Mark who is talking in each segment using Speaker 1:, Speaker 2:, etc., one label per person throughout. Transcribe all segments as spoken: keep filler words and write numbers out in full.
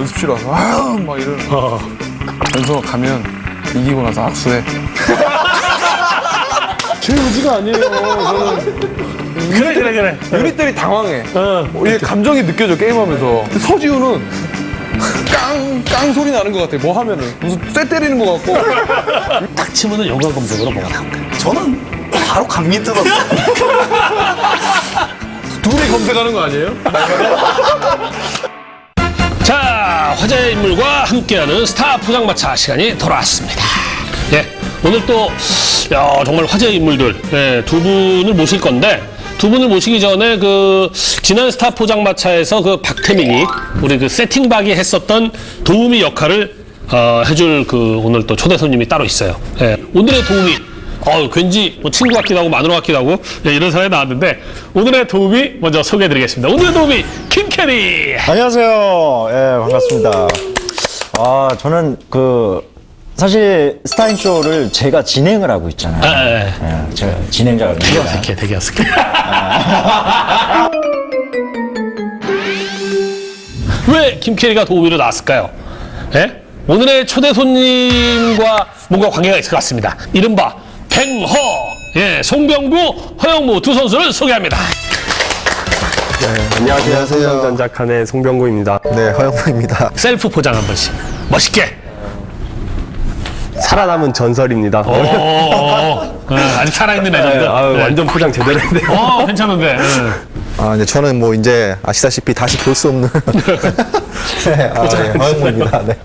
Speaker 1: 연습실 와서 아막 이러는 거. 연서 가면 이기고 나서 악수해. 제 의지가 아니에요. 저는
Speaker 2: 그래 그래 그래.
Speaker 1: 유닛들이 당황해.
Speaker 2: 어.
Speaker 1: 이게 감정이 느껴져 게임하면서. 서지우는 깡, 깡 소리 나는 것 같아. 뭐 하면은 무슨 쇠 때리는 것 같고.
Speaker 2: 딱 치면은 연관 검색으로 뭐가 나올까?
Speaker 3: 저는 바로 감기 들어서
Speaker 1: 둘이 검색하는 거 아니에요?
Speaker 2: 자, 화제의 인물과 함께하는 스타 포장마차 시간이 돌아왔습니다. 예, 오늘 또 야, 정말 화제의 인물들 예, 두 분을 모실 건데 두 분을 모시기 전에 그 지난 스타 포장마차에서 그 박태민이 우리 그 세팅박이 했었던 도우미 역할을 어, 해줄 그 오늘 또 초대 손님이 따로 있어요. 예, 오늘의 도우미. 어, 왠지 뭐 친구 같기도 하고 마누라 같기도 하고 예, 이런 사람이 나왔는데 오늘의 도우미 먼저 소개해드리겠습니다. 오늘의 도우미 김캐리.
Speaker 4: 안녕하세요. 예, 반갑습니다. 아, 저는 그 사실 스타인쇼를 제가 진행을 하고 있잖아요.
Speaker 2: 아, 예, 예.
Speaker 4: 예, 제가 진행자가
Speaker 2: 되게 어색해, 되게 어색해. 왜 김캐리가 도우미로 나왔을까요? 예? 오늘의 초대 손님과 뭔가 관계가 있을 것 같습니다. 이른바 뱅허, 예, 송병구, 허영무 두 선수를 소개합니다.
Speaker 5: 안녕하세요. 삼성전자칸의 송병구입니다.
Speaker 3: 네, 허영무입니다.
Speaker 2: 셀프 포장 한 번씩. 멋있게.
Speaker 5: 살아남은 전설입니다.
Speaker 2: 오, 어, 아직 살아있는 레전드.
Speaker 5: 네, 아유,
Speaker 2: 네.
Speaker 5: 완전 포장 제대로 했네요.
Speaker 2: 어, 괜찮은데. 예.
Speaker 3: 아, 이제 저는 뭐 이제 아시다시피 다시 볼 수 없는 네, 아, 네, 허영무입니다. 네.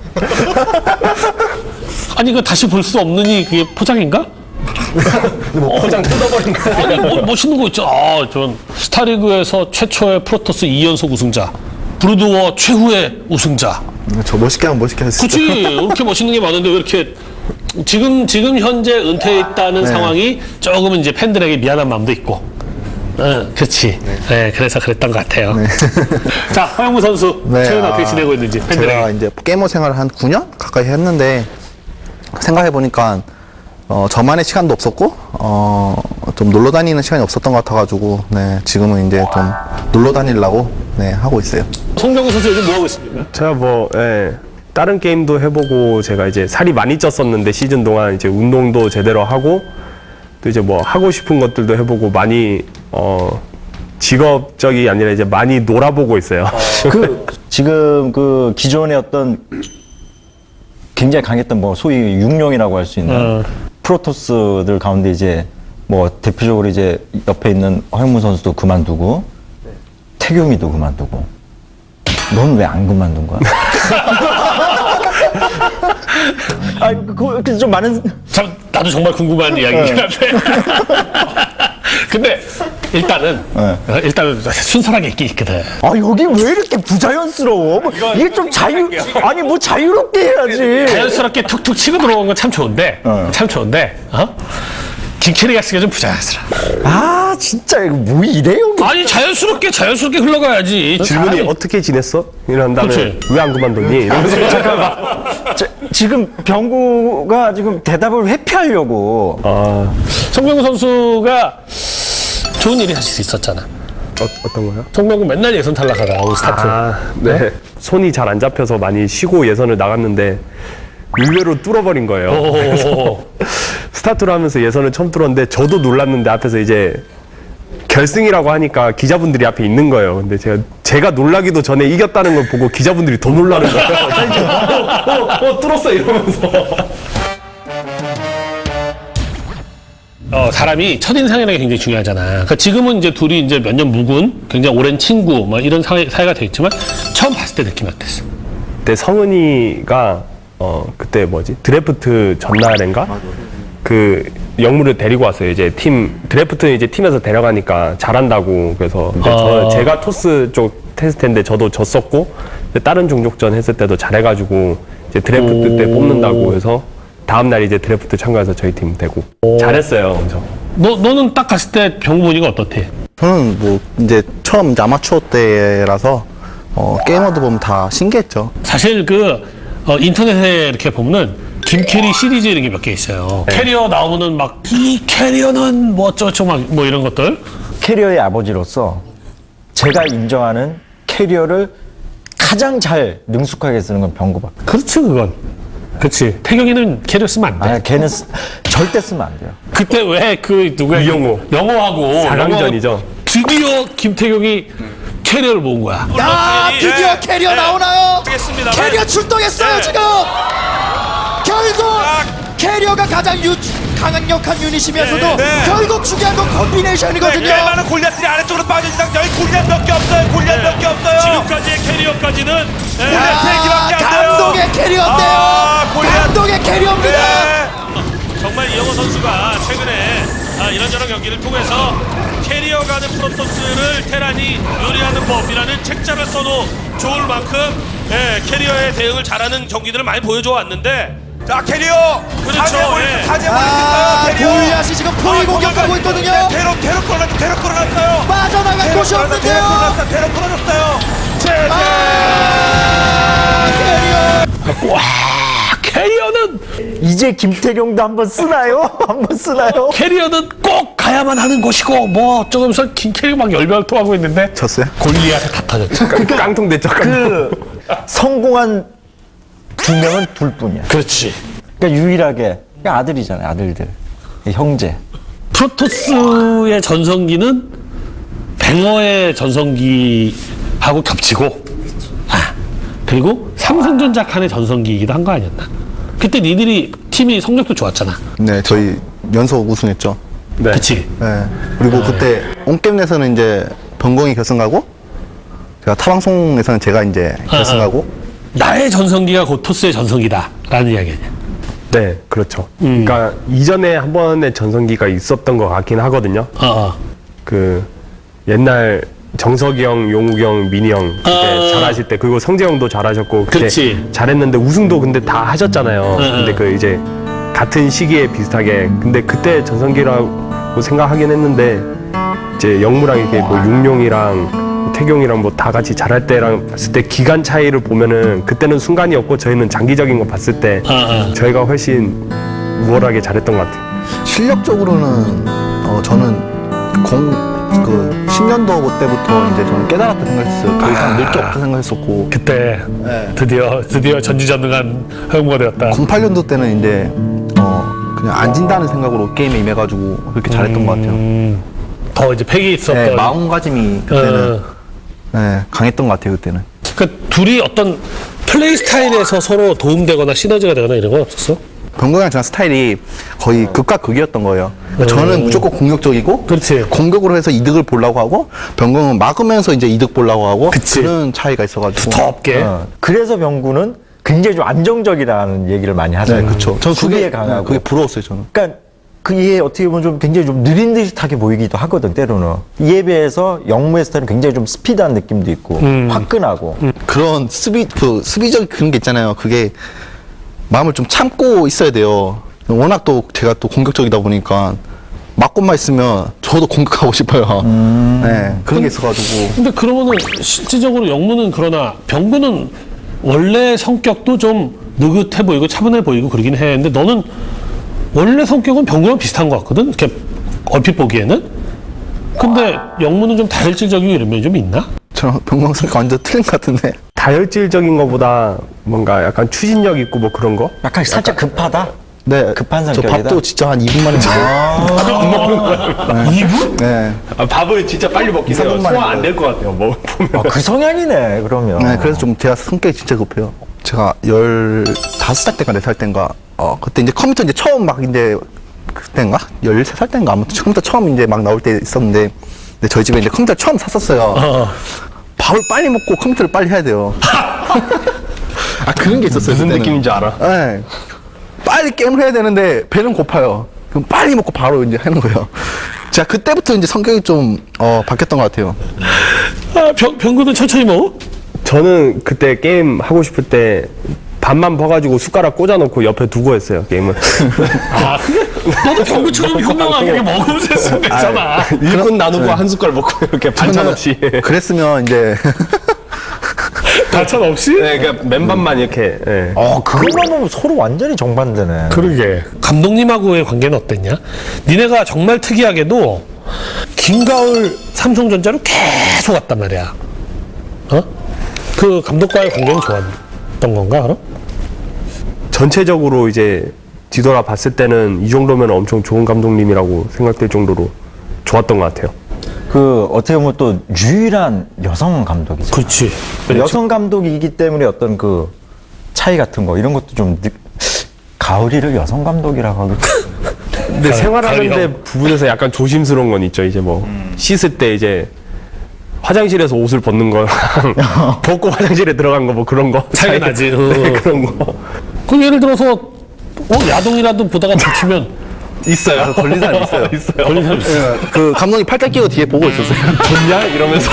Speaker 2: 아니, 그 다시 볼 수 없느니 그게 포장인가?
Speaker 5: 뭐 포장 뜯어버린 거.
Speaker 2: 아니, 뭐, 멋있는 거 있죠. 아, 전 스타리그에서 최초의 프로토스 이 연속 우승자, 브루드워 최후의 우승자.
Speaker 3: 저 멋있게 하면 멋있게 했어요.
Speaker 2: 그치. 이렇게 멋있는 게 많은데 왜 이렇게 지금 지금 현재 은퇴했다는 상황이 조금은 이제 팬들에게 미안한 마음도 있고. 응, 그렇지. 네. 그래서 그랬던 것 같아요. 자, 허영무 선수
Speaker 3: 네,
Speaker 2: 최근 어떻게
Speaker 3: 아,
Speaker 2: 지내고 있는지 팬들에게.
Speaker 3: 제가 이제 게이머 생활을 한 구 년 가까이 했는데 생각해 보니까 어, 저만의 시간도 없었고 어, 좀 놀러 다니는 시간이 없었던 것 같아가지고 네, 지금은 이제 좀 놀러 다니려고 네, 하고 있어요.
Speaker 2: 송병구 선수 요즘 뭐 하고 있습니까?
Speaker 5: 제가 뭐, 예, 다른 게임도 해보고 제가 이제 살이 많이 쪘었는데 시즌 동안 이제 운동도 제대로 하고 또 이제 뭐 하고 싶은 것들도 해보고 많이 어, 직업적이 아니라 이제 많이 놀아보고 있어요.
Speaker 4: 그 지금 그 기존의 어떤 굉장히 강했던 뭐 소위 육룡이라고 할 수 있는
Speaker 2: 어.
Speaker 4: 프로토스들 가운데 이제 뭐 대표적으로 이제 옆에 있는 허영무 선수도 그만두고 태경이도 그만두고 넌 왜 안 그만둔 거야? 아, 그, 그, 좀 많은.
Speaker 2: 참, 나도 정말 궁금한 이야기긴 한데. 근데 일단은
Speaker 4: 네.
Speaker 2: 일단은 순수하게 있긴 있거든.
Speaker 4: 아, 여기 왜 이렇게 부자연스러워? 뭐, 이게 좀 자유, 아니, 뭐 자유롭게 해야지.
Speaker 2: 자연스럽게 툭툭 치고 들어온 건 참 좋은데,
Speaker 4: 어.
Speaker 2: 참 좋은데, 어? 김캐리가 쓰기가 좀 부자연스러워.
Speaker 4: 아, 진짜, 이거 뭐 이래요?
Speaker 2: 아니, 자연스럽게, 자연스럽게 흘러가야지.
Speaker 5: 질문이
Speaker 2: 사람이-
Speaker 5: 어떻게 지냈어? 이런 다음에
Speaker 2: 그치.
Speaker 5: 왜 안 그만뒀니? 이러면서
Speaker 4: 잠깐만. 저, 지금 병구가 지금 대답을 회피하려고.
Speaker 5: 아,
Speaker 2: 송병구 선수가 좋은 일이 사실 있었잖아.
Speaker 5: 어, 어떤 거요?
Speaker 2: 송병구 맨날 예선 탈락하다가 올 스타트.
Speaker 5: 아, 네. 손이 잘 안 잡혀서 많이 쉬고 예선을 나갔는데 의외로 뚫어버린 거예요.
Speaker 2: 오.
Speaker 5: 스타트를 하면서 예선을 처음 뚫었는데 저도 놀랐는데 앞에서 이제 결승이라고 하니까 기자분들이 앞에 있는 거예요. 근데 제가 제가 놀라기도 전에 이겼다는 걸 보고 기자분들이 더 놀라는 거예요. 어, 어, 어, 뚫었어 이러면서.
Speaker 2: 어, 사람이 첫인상이라는 게 굉장히 중요하잖아. 그러니까 지금은 이제 둘이 이제 몇 년 묵은 굉장히 오랜 친구, 뭐 이런 사이, 사이가 돼 있지만 처음 봤을 때 느낌이 어땠어?
Speaker 5: 그때 성은이가 어 그때 뭐지 드래프트 전날인가 그 영무를 데리고 왔어요. 이제 팀 드래프트 이제 팀에서 데려가니까 잘한다고 그래서 근데
Speaker 2: 아.
Speaker 5: 저 제가 토스 쪽 테스트인데 저도 졌었고 다른 종족전 했을 때도 잘해가지고 이제 드래프트
Speaker 2: 오.
Speaker 5: 때 뽑는다고 해서 다음 날 이제 드래프트 참가해서 저희 팀 되고 잘했어요. 엄청.
Speaker 2: 너, 너는 딱 갔을 때 병구 보니까 어떻대?
Speaker 3: 저는 뭐 이제 처음 이제 아마추어 때라서 어, 게이머들 보면 다 신기했죠.
Speaker 2: 사실 그 어, 인터넷에 이렇게 보면은 김캐리 시리즈 이런 게 몇 개 있어요. 캐리어 나오면은 막 이 캐리어는 뭐 어쩌고저쩌고 막 뭐 이런 것들.
Speaker 4: 캐리어의 아버지로서 제가 인정하는 캐리어를 가장 잘 능숙하게 쓰는 건 병구밖에.
Speaker 2: 그렇지 그건. 그렇지. 태경이는 캐리어 쓰면 안 돼.
Speaker 4: 아니 걔는 쓰- 절대 쓰면 안 돼요.
Speaker 2: 그때 왜 그 누구야?
Speaker 5: 이영호.
Speaker 2: 영호하고
Speaker 5: 사강전이죠.
Speaker 2: 영호하고 드디어 김태경이 캐리어를 모은 거야.
Speaker 6: 야, 드디어
Speaker 7: 네.
Speaker 6: 캐리어
Speaker 7: 네.
Speaker 6: 나오나요?
Speaker 7: 알겠습니다.
Speaker 6: 캐리어 출동했어요
Speaker 7: 네.
Speaker 6: 지금. 결국
Speaker 7: 아.
Speaker 6: 캐리어가 가장 유, 강력한 유닛이면서도
Speaker 7: 네, 네.
Speaker 6: 결국 중요한 건 콤비네이션이거든요.
Speaker 7: 꽤 많은 골리앗들이 아래쪽으로 빠진 이상 여기 골리앗 몇 개 없어요. 골리앗 몇 개 없어요.
Speaker 2: 지금까지의 캐리어까지는
Speaker 7: 골리앗
Speaker 6: 야,
Speaker 7: 세 개밖에 안 돼요.
Speaker 6: 감동의 캐리어인데요.
Speaker 7: 아, 골리앗.
Speaker 6: 감동의 캐리어입니다.
Speaker 7: 네.
Speaker 2: 정말 이영호 선수가 최근에 아, 이런저런 경기를 통해서 캐리어 가는 프로토스를 테란이 요리하는 법이라는 책자를 써도 좋을 만큼 예, 캐리어에 대응을 잘하는 경기들을 많이 보여줘 왔는데
Speaker 7: 자 캐리어.
Speaker 2: 그렇죠,
Speaker 7: 사제
Speaker 2: 예.
Speaker 7: 사제
Speaker 6: 아,
Speaker 7: 버릴 수 있어요. 캐리어.
Speaker 6: 골리앗이 지금 포위 공격하고 있거든요.
Speaker 7: 네, 테러 테러 끌어 테러 끌어놨어요.
Speaker 6: 빠져나갈
Speaker 7: 테러
Speaker 6: 곳이
Speaker 7: 끌어놨어요.
Speaker 6: 없는데요.
Speaker 7: 테러 끌어놨어요. 테러 끌어놨어요.
Speaker 6: 아, 캐리어.
Speaker 2: 와 캐리어는
Speaker 4: 이제 김태경도 한번 쓰나요? 한번 쓰나요?
Speaker 2: 캐리어는 꼭 가야만 하는 곳이고 뭐 어쩌면서 긴 캐리어 막 열변토하고 있는데
Speaker 3: 졌어요?
Speaker 2: 골리앗에 다 터졌죠.
Speaker 5: 깡통 됐죠. 깡통.
Speaker 4: 그 성공한 두 명은 둘뿐이야.
Speaker 2: 그렇지.
Speaker 4: 그러니까 유일하게 그러니까 아들이잖아요. 아들들, 형제.
Speaker 2: 프로토스의 전성기는 뱅어의 전성기하고 겹치고 아, 그리고 삼성전자 칸의 전성기이기도 한 거 아니었나? 그때 니들이 팀이 성적도 좋았잖아.
Speaker 3: 네, 저희 연속 우승했죠.
Speaker 5: 네.
Speaker 2: 그치?
Speaker 3: 네. 그리고 그때 온게임에서는 이제 병공이 결승 가고 제가 타방송에서는 제가 이제 결승 가고
Speaker 2: 나의 전성기가 곧 토스의 전성기다라는 이야기냐.
Speaker 5: 네, 그렇죠. 그러니까 이전에 한 번의 전성기가 있었던 것 같긴 하거든요.
Speaker 2: 어, 어.
Speaker 5: 그 옛날 정석이 형, 용욱이 형, 민희 형 그때
Speaker 2: 어.
Speaker 5: 잘하실 때 그리고 성재 형도 잘하셨고 그때
Speaker 2: 그렇지.
Speaker 5: 잘했는데 우승도 근데 다 하셨잖아요. 근데 그 이제 같은 시기에 비슷하게 근데 그때 전성기라고 생각하긴 했는데 이제 영무랑 이렇게 뭐 육룡이랑 태경이랑 뭐 다 같이 잘할 때랑 봤을 때 기간 차이를 보면은 그때는 순간이었고 저희는 장기적인 거 봤을 때
Speaker 2: 어, 어.
Speaker 5: 저희가 훨씬 우월하게 잘했던 것 같아요.
Speaker 3: 실력적으로는 어, 저는 공 그 십 년도 때부터 이제 저는 깨달았다 생각했어요. 더 이상 늘 게 없다 생각했었고
Speaker 2: 그때
Speaker 3: 네.
Speaker 2: 드디어 드디어 전지전능한 허용무가 되었다.
Speaker 3: 공팔 년도 때는 이제 어 그냥 안 진다는 생각으로 게임에 임해가지고 그렇게 잘했던 것 같아요.
Speaker 2: 음, 더 이제 패기 있었던.
Speaker 3: 네, 마음가짐이 그때는
Speaker 2: 어.
Speaker 3: 네, 강했던 것 같아요 그때는.
Speaker 2: 그러니까 둘이 어떤 플레이 스타일에서 서로 도움되거나 시너지가 되거나 이런 건 없었어?
Speaker 3: 병건이랑 저랑 스타일이 거의 극과 극이었던 거예요. 그러니까 저는 무조건 공격적이고
Speaker 2: 그렇지.
Speaker 3: 공격으로 해서 이득을 보려고 하고 병건은 막으면서 이제 이득 보려고 하고
Speaker 2: 그치.
Speaker 3: 그런 차이가 있어가지고.
Speaker 2: 더 없게.
Speaker 4: 어, 그래서 병구는 굉장히 좀 안정적이라는 얘기를 많이 하잖아요.
Speaker 3: 네, 그렇죠. 저는
Speaker 4: 수비에
Speaker 3: 그게
Speaker 4: 강하고.
Speaker 3: 그게 부러웠어요 저는.
Speaker 4: 그러니까 그게 어떻게 보면 좀 굉장히 좀 느린 듯하게 보이기도 하거든 때로는. 이에 비해서 영무의 스타일은 굉장히 좀 스피드한 느낌도 있고 화끈하고.
Speaker 3: 그런 수비 그 수비적 그런 게 있잖아요. 그게 마음을 좀 참고 있어야 돼요. 워낙 또 제가 또 공격적이다 보니까 맞고만 있으면 저도 공격하고 싶어요. 네, 그런 게 있어가지고.
Speaker 2: 근데 그러면은 실질적으로 영무는 그러나 병구는 원래 성격도 좀 느긋해 보이고 차분해 보이고 그러긴 해. 근데 너는 원래 성격은 병구랑 비슷한 것 같거든. 이렇게 얼핏 보기에는. 근데 영무는 좀 다혈질적이고 이런 면이 좀 있나?
Speaker 3: 저랑 병광성이 완전 틀린 것 같은데.
Speaker 5: 다혈질적인 것보다 뭔가 약간 추진력 있고 뭐 그런 거?
Speaker 4: 약간 살짝 급하다.
Speaker 3: 네,
Speaker 4: 급한
Speaker 3: 저
Speaker 4: 성격이다?
Speaker 3: 밥도 진짜 한 이 분 만에 먹어요.
Speaker 2: 이 분?
Speaker 3: 네.
Speaker 5: 아, 밥을 진짜 빨리 먹긴
Speaker 3: 해요. 소화 안
Speaker 5: 될 것 같아요. 뭐 보면.
Speaker 4: 아, 그 성향이네 그러면.
Speaker 3: 네, 그래서 좀 제가 성격이 진짜 급해요. 제가 열다섯 살 때인가 네 살 때인가, 어, 그때 이제 컴퓨터 이제 처음 막 이제, 그때인가? 열세 살 때인가? 아무튼 컴퓨터 처음 이제 막 나올 때 있었는데, 근데 저희 집에 이제 컴퓨터 처음 샀었어요.
Speaker 2: 어.
Speaker 3: 밥을 빨리 먹고 컴퓨터를 빨리 해야 돼요. 아, 그런 게 있었어요.
Speaker 5: 무슨
Speaker 3: 그때는.
Speaker 5: 느낌인지 알아?
Speaker 3: 네. 빨리 게임을 해야 되는데, 배는 고파요. 그럼 빨리 먹고 바로 이제 하는 거예요. 제가 그때부터 이제 성격이 좀, 어, 바뀌었던 것 같아요.
Speaker 2: 아, 병, 병구는 천천히 먹어?
Speaker 5: 저는 그때 게임 하고 싶을 때 반만 퍼가지고 숟가락 꽂아놓고 옆에 두고 했어요 게임을.
Speaker 2: 아, 너도 병구처럼 현명하게 먹으면 됐으면 됐잖아.
Speaker 5: 일꾼 나누고 한 숟갈 먹고 이렇게 반찬 없이.
Speaker 3: 그랬으면 이제,
Speaker 2: 반찬 없이?
Speaker 5: 네, 그러니까 맨밥만 이렇게. 예.
Speaker 4: 어, 그거만 보면 서로 완전히 정반대네.
Speaker 2: 그러게. 감독님하고의 관계는 어땠냐? 니네가 정말 특이하게도 김가을 삼성전자로 계속 왔단 말이야. 어? 그 감독과의 관계는 좋았던 건가, 그럼?
Speaker 5: 전체적으로 이제 뒤돌아 봤을 때는 이 정도면 엄청 좋은 감독님이라고 생각될 정도로 좋았던 것 같아요.
Speaker 4: 그 어떻게 보면 또 유일한 여성 감독이죠.
Speaker 2: 그렇지.
Speaker 4: 여성 감독이기 때문에 어떤 그 차이 같은 거 이런 것도 좀 느... 가을이를 여성 감독이라고 하기.
Speaker 5: 근데 생활하는데 부분에서 약간 조심스러운 건 있죠. 이제 뭐 씻을 때 이제 화장실에서 옷을 벗는 거랑 벗고 화장실에 들어간 거 뭐 그런 거
Speaker 2: 차이가 나지.
Speaker 5: 네,
Speaker 2: 어.
Speaker 5: 그런 거
Speaker 2: 그 예를 들어서 어, 야동이라도 보다가 다치면
Speaker 5: 있어요.
Speaker 3: 걸린 사람 있어요.
Speaker 5: 있어요.
Speaker 2: 걸린 사람 있어.
Speaker 3: 그 감독님 팔짱 끼고 뒤에 보고 있었어요.
Speaker 5: 좋냐 이러면서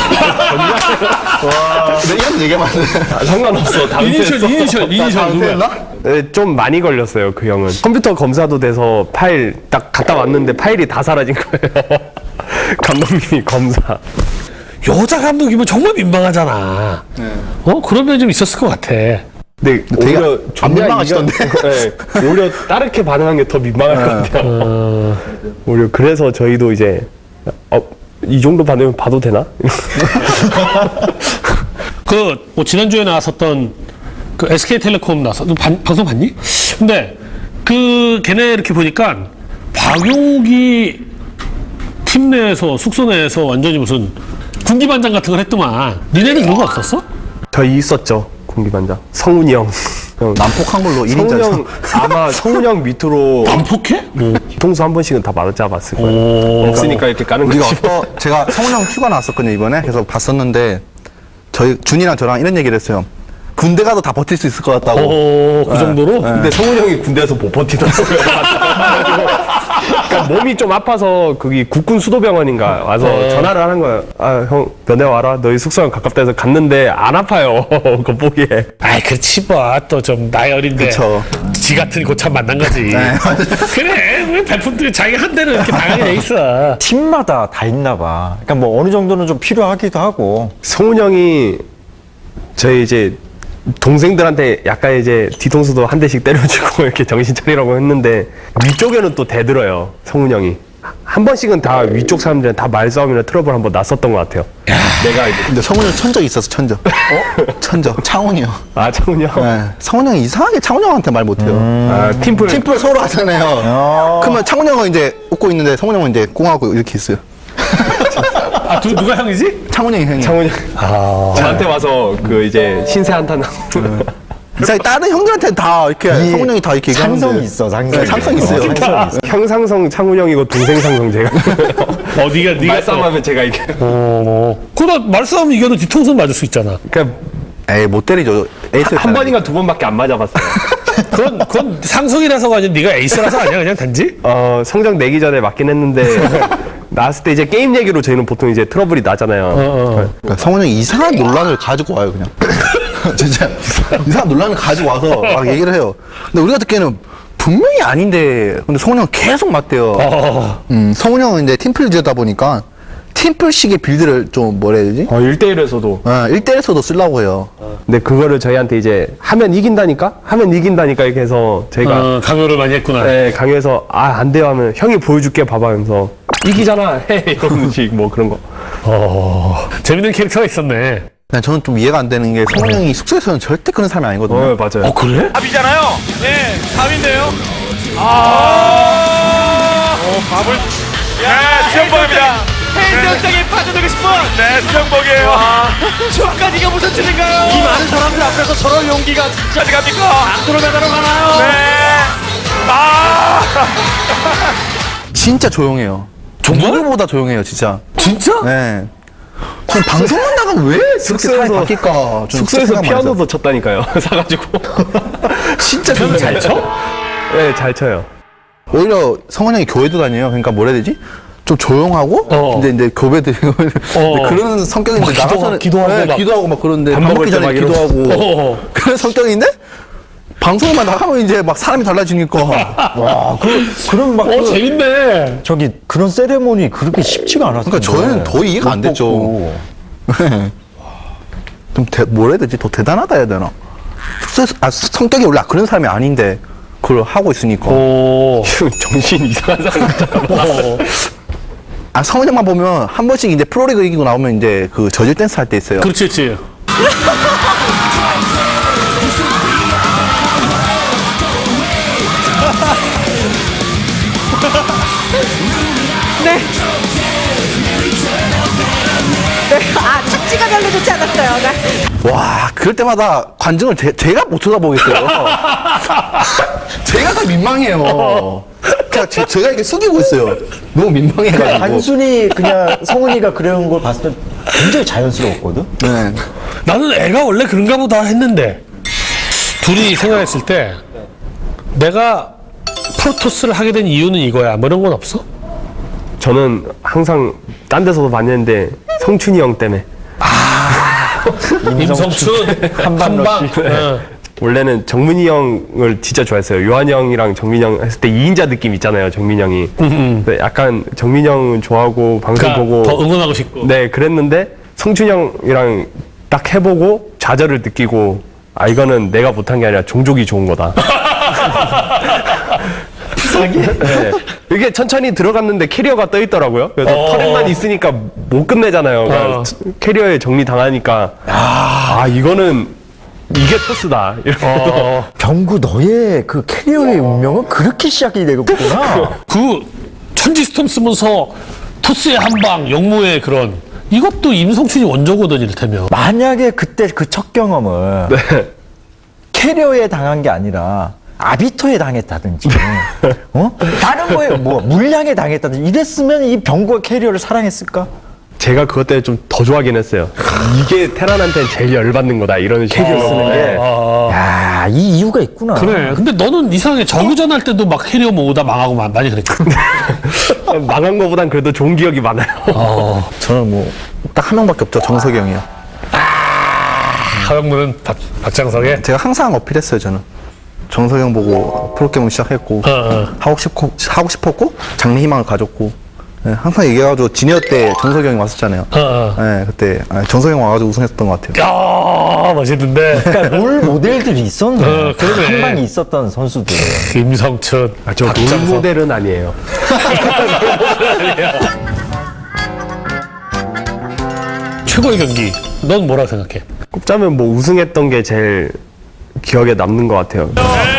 Speaker 3: 근데 이런 얘기하면 안 돼.
Speaker 5: 아, 상관없어. 다음
Speaker 2: 이니셜,
Speaker 5: 주에
Speaker 2: 이니셜, 이니셜 누구야?
Speaker 5: 네, 좀 많이 걸렸어요. 그 형은 컴퓨터 검사도 돼서 파일 딱 갖다 왔는데 파일이 다 사라진 거예요. 감독님이 검사.
Speaker 2: 여자 감독이면 정말 민망하잖아. 어? 그런 면이 좀 있었을 것 같아.
Speaker 5: 근데
Speaker 3: 되게
Speaker 5: 오히려
Speaker 3: 안
Speaker 5: 좋냐,
Speaker 3: 민망하시던데?
Speaker 5: 이거- 네, 오히려 따르게 반응한 게 더 민망할 것 같아요. 오히려 그래서 저희도 이제 어, 이 정도 반응 봐도 되나?
Speaker 2: 그, 뭐, 지난주에 나왔었던 그 에스케이텔레콤 나왔어. 너 반- 방송 봤니? 근데 그, 걔네 이렇게 보니까 박용욱이 팀 내에서, 숙소 내에서 완전히 무슨 군기반장 같은 걸 했더만. 니네는 그런 거 없었어?
Speaker 5: 저희 있었죠. 공기반장 성훈이 형. 형.
Speaker 3: 난폭한 걸로 일
Speaker 5: 성훈이
Speaker 3: 인자.
Speaker 5: 형 아마 성훈이 형 밑으로
Speaker 2: 반폭해? 뭐.
Speaker 5: 뒤통수 한 번씩은 다 맞아봤을 거예요.
Speaker 2: 오.
Speaker 5: 없으니까 이렇게 까는
Speaker 3: 우리가
Speaker 5: 거지.
Speaker 3: 어떤 제가 성훈 형 휴가 나왔었거든요 이번에. 그래서 봤었는데 저희 준이랑 저랑 이런 얘기를 했어요. 군대 가도 다 버틸 수 있을 것 같다고.
Speaker 2: 오, 그 정도로?
Speaker 5: 근데 성훈이 형이 군대에서 못 버티더라고요. 그러니까 몸이 좀 아파서 거기 국군 수도병원인가 와서 전화를 하는 거예요. 아, 형 면회 와라. 너희 숙소랑 가깝다 해서 갔는데 안 아파요. 그거 보기에.
Speaker 2: 아이, 그렇지, 뭐. 또 좀 나이 어린데.
Speaker 3: 그쵸.
Speaker 2: 지 같은 고참 만난 거지. 그래, 왜 발품들이 자기가 한 대는 이렇게 당하게 돼 있어.
Speaker 4: 팀마다 다 있나 봐. 그러니까 뭐 어느 정도는 좀 필요하기도 하고.
Speaker 5: 성훈 형이 저희 이제 동생들한테 약간 이제 뒤통수도 한 대씩 때려주고 이렇게 정신 차리라고 했는데 위쪽에는 또 대들어요. 성훈 형이. 한 번씩은 다 위쪽 사람들은 다 말싸움이나 트러블 한번 났었던 것 같아요. 내가 이제
Speaker 3: 근데 성훈 형 천적 있었어 천적. 어? 천적. 창훈이요.
Speaker 5: 아 창훈 형.
Speaker 3: 네. 성훈 형이 이상하게 창훈 형한테 말 못해요.
Speaker 5: 아 팀플.
Speaker 3: 팀플 서로 하잖아요. 그러면 창훈 형은 이제 웃고 있는데 성훈 형은 이제 꽁하고 이렇게 있어요.
Speaker 2: 아, 두, 누가 형이지?
Speaker 3: 창훈 형이 형이.
Speaker 5: 창훈 형. 저한테 와서 그 이제 신세 한탄하고.
Speaker 3: 이상하게 다른 형들한테 다 이렇게 성훈 형이 다 이렇게 얘기하는데.
Speaker 4: 상성이 있어, 상성이.
Speaker 3: 네, 상성 있어요.
Speaker 4: 어, 상성이 있어.
Speaker 5: 형 상성 창훈 형이고 동생 상성 제가.
Speaker 2: 어, 니가, 니가.
Speaker 5: 말싸움하면 제가 이게.
Speaker 2: 어, 그러다 말싸움 이겨도 뒤통수 맞을 수 있잖아.
Speaker 5: 그러니까
Speaker 3: 에이 못 때리죠. 에이스
Speaker 5: 한 번인가 두 번밖에 안 맞아봤어요.
Speaker 2: 그건, 그건 상성이라서가 아니라 네가 에이스라서 아니야, 그냥 단지?
Speaker 5: 어 성적 내기 전에 맞긴 했는데 나왔을 때 이제 게임 얘기로 저희는 보통 이제 트러블이 나잖아요.
Speaker 3: 그러니까 성훈 형이 이상한 논란을 가지고 와요 그냥. 진짜 이상한 논란을 가지고 와서 막 얘기를 해요. 근데 우리가 듣기에는 분명히 아닌데 근데 성훈 형은 계속 맞대요.
Speaker 2: 어.
Speaker 3: 음, 성훈 형은 이제 팀플 지어다 보니까 팀플식의 빌드를 좀 뭐라 해야 되지?
Speaker 5: 어 일 대일에서도.
Speaker 3: 어, 일 대일에서도 쓰려고 해요.
Speaker 5: 근데 그거를 저희한테 이제 하면 이긴다니까? 하면 이긴다니까 이렇게 해서 저희가
Speaker 2: 어, 강요를 많이 했구나.
Speaker 5: 네, 강요해서 아 안 돼요 하면 형이 보여줄게 봐봐 하면서 이기잖아 해 이런 식 뭐 그런 거.
Speaker 2: 어, 재밌는 캐릭터가 있었네.
Speaker 3: 그냥 저는 좀 이해가 안 되는 게 성훈 형이 숙소에서는 절대 그런 사람이 아니거든요.
Speaker 5: 어 맞아요.
Speaker 2: 어, 그래?
Speaker 7: 밥이잖아요. 네, 밥인데요. 아, 어, 밥을. 야, 수영복입니다. 해수욕장에 빠져들고 싶은. 네, 수영복이에요. 추억까지가 무슨 뜻인가요? 이 많은 사람들 앞에서 저런 용기가 진짜 어디 갑니까? 안드로메다로 가나요? 네. 아.
Speaker 3: 진짜 조용해요. 누구보다 조용해요, 진짜.
Speaker 2: 진짜?
Speaker 3: 네. 전 방송만 나가면 왜 그렇게 사람이 바뀔까? 좀
Speaker 5: 숙소에서
Speaker 3: 생각 많이 했어요.
Speaker 5: 피아노도 쳤다니까요. 사가지고.
Speaker 3: 진짜
Speaker 2: 피아노 잘 쳐?
Speaker 5: 네, 잘 쳐요.
Speaker 3: 오히려 성훈 형이 교회도 다녀요. 그러니까 뭐라 해야 되지? 좀 조용하고,
Speaker 2: 어.
Speaker 3: 근데 이제 교배들 그런 성격인데
Speaker 2: 막 기도-
Speaker 3: 나가서는
Speaker 2: 기도하고
Speaker 3: 네,
Speaker 2: 막
Speaker 3: 기도하고 막 그런데
Speaker 5: 밥
Speaker 3: 밥
Speaker 5: 먹을
Speaker 3: 먹기
Speaker 5: 때
Speaker 3: 전에
Speaker 5: 막 이러고.
Speaker 3: 기도하고
Speaker 2: 어.
Speaker 3: 그런 성격인데 방송만 나가면 이제 막 사람이 달라지니까
Speaker 4: 와, 그, 그럼 막.
Speaker 2: 어,
Speaker 4: 그,
Speaker 2: 재밌네.
Speaker 4: 저기 그런 세레모니 그렇게 쉽지가 않았어요.
Speaker 3: 그러니까 저희는 더 이해가 안 됐죠. 좀 대, 뭐라 해야 되지? 더 대단하다 해야 되나? 숙소에서, 아, 성격이 원래 그런 사람이 아닌데 그걸 하고 있으니까.
Speaker 2: 오.
Speaker 5: 정신 이상한 사람 같잖아.
Speaker 3: 아, 성훈 형만 보면 한 번씩 이제 프로리그 이기고 나오면 이제 그 저질 댄스 할 때 있어요.
Speaker 2: 그렇지, 그렇지.
Speaker 8: 네. 네. 아, 착지가 별로 좋지 않았어요. 네.
Speaker 3: 와, 그럴 때마다 관중을 제, 제가 못 쳐다보겠어요. 제가 더 민망해요. 그냥 제, 제가 이렇게 숙이고 있어요. 너무 민망해가지고.
Speaker 4: 단순히 그냥 성훈이가 그런 걸 봤을 때 굉장히 자연스러웠거든.
Speaker 3: 네.
Speaker 2: 나는 애가 원래 그런가 보다 했는데 둘이 생각했을 때 내가 프로토스를 하게 된 이유는 이거야. 뭐 이런 건 없어?
Speaker 5: 저는 항상 딴 데서도 봤는데 성춘이 형 때문에.
Speaker 2: 임성춘 한방 한방. 어.
Speaker 5: 원래는 정민이 형을 진짜 좋아했어요. 요한 형이랑 정민이 형 했을 때 이인자 느낌 있잖아요, 정민이 형이. 근데 약간 정민이 형은 좋아하고 방송
Speaker 2: 그러니까
Speaker 5: 보고
Speaker 2: 더 응원하고 싶고.
Speaker 5: 네, 그랬는데 성춘이 형이랑 딱 해보고 좌절을 느끼고 아 이거는 내가 못한 게 아니라 종족이 좋은 거다. 네. 이게 천천히 들어갔는데 캐리어가 떠 있더라고요. 그래서
Speaker 2: 어.
Speaker 5: 터렛만 있으니까 못 끝내잖아요. 그러니까
Speaker 2: 어.
Speaker 5: 캐리어에 정리 당하니까 아 이거는 이게 토스다. 이러면서
Speaker 2: 어.
Speaker 4: 병구 너의 그 캐리어의 운명은 그렇게 시작이 되겠구나.
Speaker 2: 그 천지스톰 쓰면서 토스의 한방, 영무의 그런 이것도 임성춘이 원조거든 이를테면.
Speaker 4: 만약에 그때 그 첫 경험을 캐리어에 당한 게 아니라 아비토에 당했다든지, 어? 다른 거에 뭐 물량에 당했다든지 이랬으면 이 병구가 캐리어를 사랑했을까?
Speaker 5: 제가 그것 때문에 좀 더 좋아하긴 했어요. 이게 테란한테는 제일 열받는 거다. 이런
Speaker 4: 캐리어
Speaker 5: 식으로.
Speaker 4: 쓰는 게.
Speaker 2: 아,
Speaker 4: 야, 이 이유가 있구나.
Speaker 2: 그래. 근데 너는 이상하게 저그전 할 때도 막 캐리어 모으다 망하고 마- 많이 그랬거든.
Speaker 5: 망한 거보단 그래도 좋은 기억이 많아요.
Speaker 3: 저는 뭐, 딱 한 명밖에 없죠. 정석이 형이요.
Speaker 2: 하영무는 박, 박장석의
Speaker 3: 제가 항상 어필했어요, 저는. 정석이 형 보고 프로게임을 시작했고,
Speaker 2: 어, 어.
Speaker 3: 하고 싶고, 하고 싶었고, 장래 희망을 가졌고, 네, 항상 얘기해가지고, 지니어 때 정석이 형이 왔었잖아요.
Speaker 2: 어, 어.
Speaker 3: 네, 그때, 아, 정석이 형 와가지고 우승했던 것 같아요.
Speaker 2: 야 멋있는데.
Speaker 4: 그러니까 롤 모델들이 있었네.
Speaker 2: 어, 그러네.
Speaker 4: 한 방이 있었던 선수들.
Speaker 2: 임성춘.
Speaker 5: 아, 저 롤모델은 아니에요.
Speaker 2: 최고의 경기. 넌 뭐라고 생각해?
Speaker 5: 꼽자면 뭐 우승했던 게 제일 기억에 남는 것 같아요.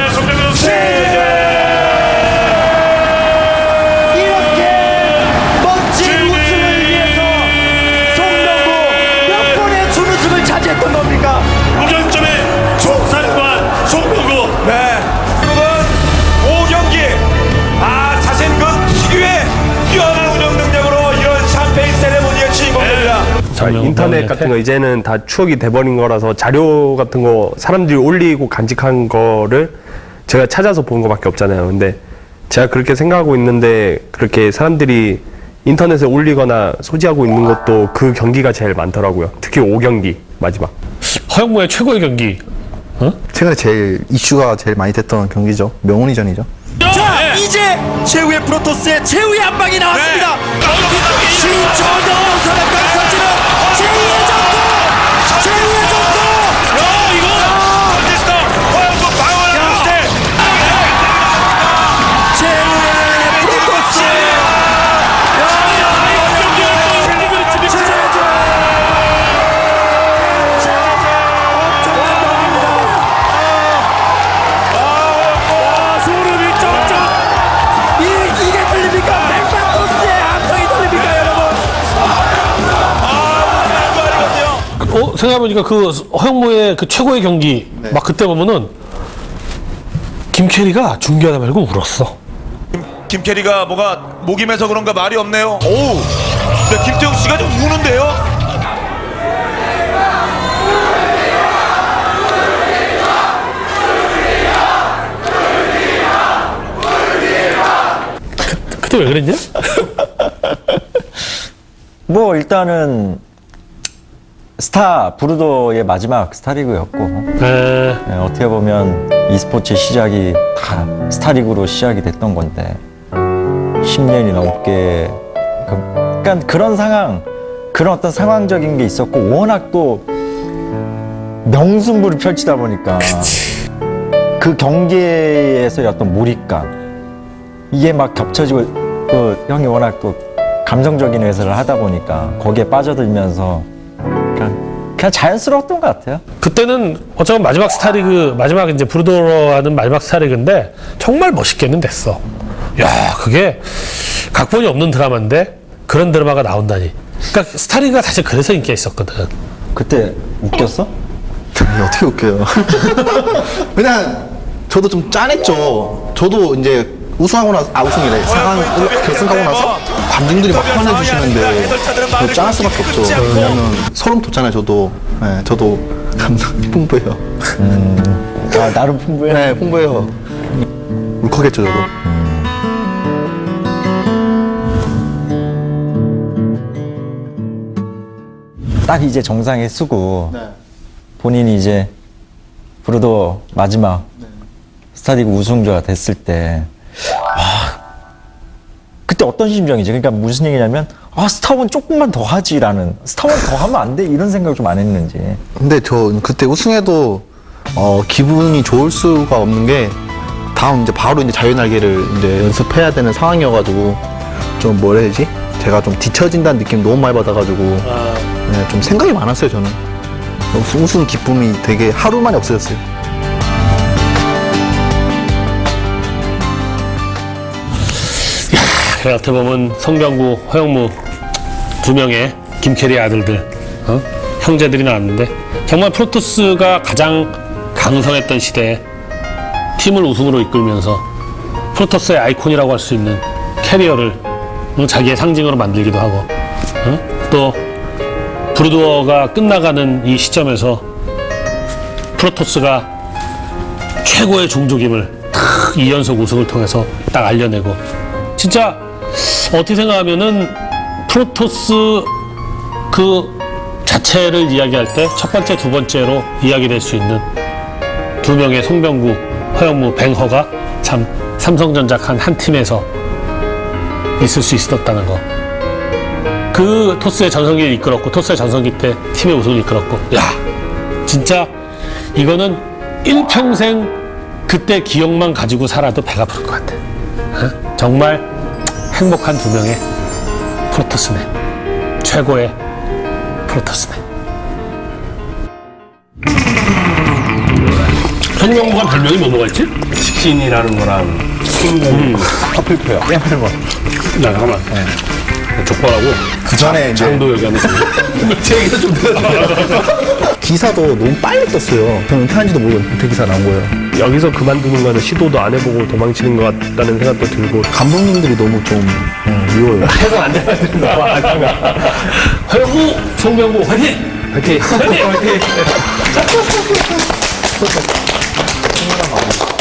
Speaker 6: 멋진 우승을 위해서 송병구 몇 번의 준우승을 차지했던 겁니까?
Speaker 7: 무결점의 총산관 송병구. 네. 지금은 오 경기. 아, 자신 그 특유의 뛰어난 운영 능력으로 이런 샴페인 세레모니의 주인공입니다.
Speaker 5: 아, 인터넷 같은 거 이제는 다 추억이 돼버린 거라서 자료 같은 거 사람들이 올리고 간직한 거를 제가 찾아서 본 거밖에 없잖아요. 근데 제가 그렇게 생각하고 있는데 그렇게 사람들이 인터넷에 올리거나 소지하고 있는 것도 그 경기가 제일 많더라고요. 특히 오 경기 마지막.
Speaker 2: 허영무의 최고의 경기.
Speaker 3: 최근에 제일, 이슈가 제일 많이 됐던 경기죠. 명훈이전이죠.
Speaker 6: 자, 이제 최후의 프로토스의 최후의 한 방이 나왔습니다. 신천동 선언과 선지는 제이의 전투! 제이의 전투!
Speaker 7: 야, 이거 어딨어? 허영구 방어를 때.
Speaker 6: 최후의 프로토스!
Speaker 7: 소름이 쩍쩍.
Speaker 6: 이, 이게 들립니까? 백마토스의 함성이 들립니까, 여러분?
Speaker 2: 어 생각해보니까 그 허영무의 그 최고의 경기 막 그때 보면은 김캐리가 중계하다 말고 울었어.
Speaker 7: 김캐리가 뭐가 목이 메서 그런가 말이 없네요. 오우. 네, 김태형 씨가 좀 우는데요.
Speaker 2: 그때 왜 그랬냐?
Speaker 4: 뭐 일단은 스타 브루더의 마지막 스타리그였고
Speaker 2: 에,
Speaker 4: 네, 어떻게 보면 e스포츠 시작이 다 스타리그로 시작이 됐던 건데 십 년이 넘게 그, 그러니까 그런 상황 그런 어떤 상황적인 게 있었고 워낙 또 명승부를 펼치다 보니까 그 경기에서의 어떤 몰입감 이게 막 겹쳐지고 또 형이 워낙 또 감성적인 해설을 하다 보니까 거기에 빠져들면서 그냥, 그냥 자연스러웠던 것 같아요.
Speaker 2: 그때는 어쩌면 마지막 스타리그 마지막 이제 브루더로 하는 마지막 스타리그인데 정말 멋있게는 됐어. 야 그게 각본이 없는 드라마인데 그런 드라마가 나온다니. 그러니까 스타리그가 사실 그래서 인기가 있었거든.
Speaker 4: 그때 웃겼어?
Speaker 3: 아니, 어떻게 웃겨요. 그냥 저도 좀 짠했죠. 저도 이제 우승하고 나서, 아, 우승이래. 사 강 결승하고 나서 관중들이 막 환호해 주시는데 저 짠할 수밖에 없죠. 왜냐면 소름 돋잖아요, 저도. 네, 저도 감성 풍부해요.
Speaker 4: 아, 나름 풍부해.
Speaker 3: 네, 풍부해요. 울컥했죠, 저도.
Speaker 4: 딱 이제 정상에 쓰고
Speaker 3: 네.
Speaker 4: 본인이 이제 브루도 마지막 스타리그 우승자가 됐을 때 와, 그때 어떤 심정이지? 그러니까 무슨 얘기냐면 아 스타원 조금만 더 하지라는 스타원 더 하면 안 돼 이런 생각을 좀 안 했는지.
Speaker 3: 근데 저 그때 우승해도 어, 기분이 좋을 수가 없는 게 다음 이제 바로 이제 자유날개를 이제 연습해야 되는 상황이어가지고 좀 뭐라 해야 되지? 제가 좀 뒤처진다는 느낌 너무 많이 받아가지고 네, 좀 생각이 많았어요 저는. 우승, 우승 기쁨이 되게 하루 만에 없어졌어요.
Speaker 2: 그래, 어떻게 보면 성병구, 허영무 두 명의 김캐리 아들들, 어? 형제들이 나왔는데 정말 프로토스가 가장 강성했던 시대에 팀을 우승으로 이끌면서 프로토스의 아이콘이라고 할 수 있는 캐리어를 어, 자기의 상징으로 만들기도 하고 어? 또 브루드워가 끝나가는 이 시점에서 프로토스가 최고의 종족임을 탁 이 연속 우승을 통해서 딱 알려내고 진짜 어떻게 생각하면은 프로토스 그 자체를 이야기할 때 첫 번째, 두 번째로 이야기될 수 있는 두 명의 송병구, 허영무, 뱅허가 참 삼성전자 한, 한 팀에서 있을 수 있었다는 거. 그 토스의 전성기를 이끌었고 토스의 전성기 때 팀의 우승을 이끌었고 야 진짜 이거는 일평생 그때 기억만 가지고 살아도 배가 부를 것 같아. 어? 정말 행복한 두 명의 프로토스네. 최고의 프로토스네. 송병구가 별명이 뭐가 있지?
Speaker 5: 식신이라는 거랑
Speaker 2: 음.
Speaker 3: 파플표요. 깨물고.
Speaker 2: 나 잠깐만. 족발하고
Speaker 3: 그 전에 이제
Speaker 2: 장도 얘기하는 거.
Speaker 3: 제 얘기도 좀 들어주세요. 기사도 너무 빨리 떴어요. 저는 은퇴한지도 모르고 은퇴 기사 나온 거예요.
Speaker 5: 여기서 그만두는 거는 시도도 안 해보고 도망치는 것 같다는 생각도 들고
Speaker 3: 감독님들이 너무 좀 음, 미워요.
Speaker 2: 해서 안 되는 거 봐. 허영무, 송병구 화이팅! 화이팅! 화이팅! 화이팅!